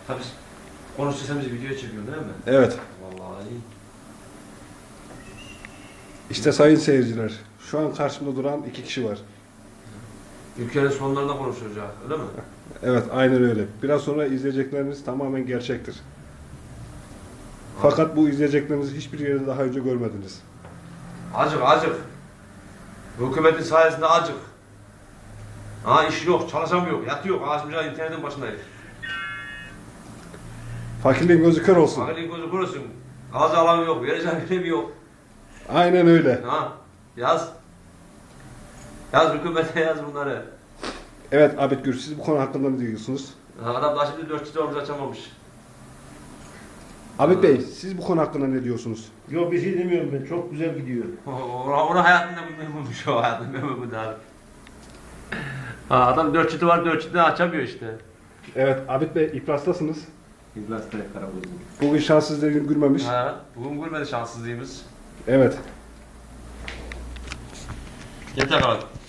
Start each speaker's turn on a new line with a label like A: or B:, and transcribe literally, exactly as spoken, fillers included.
A: Tabii konuşursanız video çekiyorsun değil mi?
B: Evet.
A: Vallahi iyi.
B: İşte sayın seyirciler, şu an karşımda duran iki kişi var.
A: Ülkenin sonlarında konuşacak, öyle mi?
B: Evet, aynen öyle. Biraz sonra izleyecekleriniz tamamen gerçektir. Fakat bu izleyeceklerinizi hiçbir yerde daha önce görmediniz.
A: Acık acık. Hükümetin sayesinde acık. Ha iş yok, çalışamıyor, yatıyor. Ağaçımca internetin başındayız.
B: Fakirliğin gözü kör olsun.
A: Fakirliğin gözü kurusun. Ağzı alanı yok, vereceğim bir yok.
B: Aynen öyle.
A: Ha yaz. Yaz hükümete yaz bunları.
B: Evet Abid Gür, siz bu konu hakkında ne diyorsunuz?
A: Adam daha şimdi dört çift oruç açamamış.
B: Abid Bey, siz bu konu hakkında ne diyorsunuz?
C: Yok bir şey demiyorum ben. Çok güzel gidiyor.
A: Ona, ona hayatında memnunmuş o hayatında memnun abi. Ha, adam dört çiti var, dört çitini açamıyor işte.
B: Evet Abid Bey, iflastasınız.
A: İblas'ta Karabozun.
B: Bugün şanssız dediğim gülmemiş.
A: Ha, bugün gülmedi şanssızlığımız.
B: Evet.
A: Yeter abi.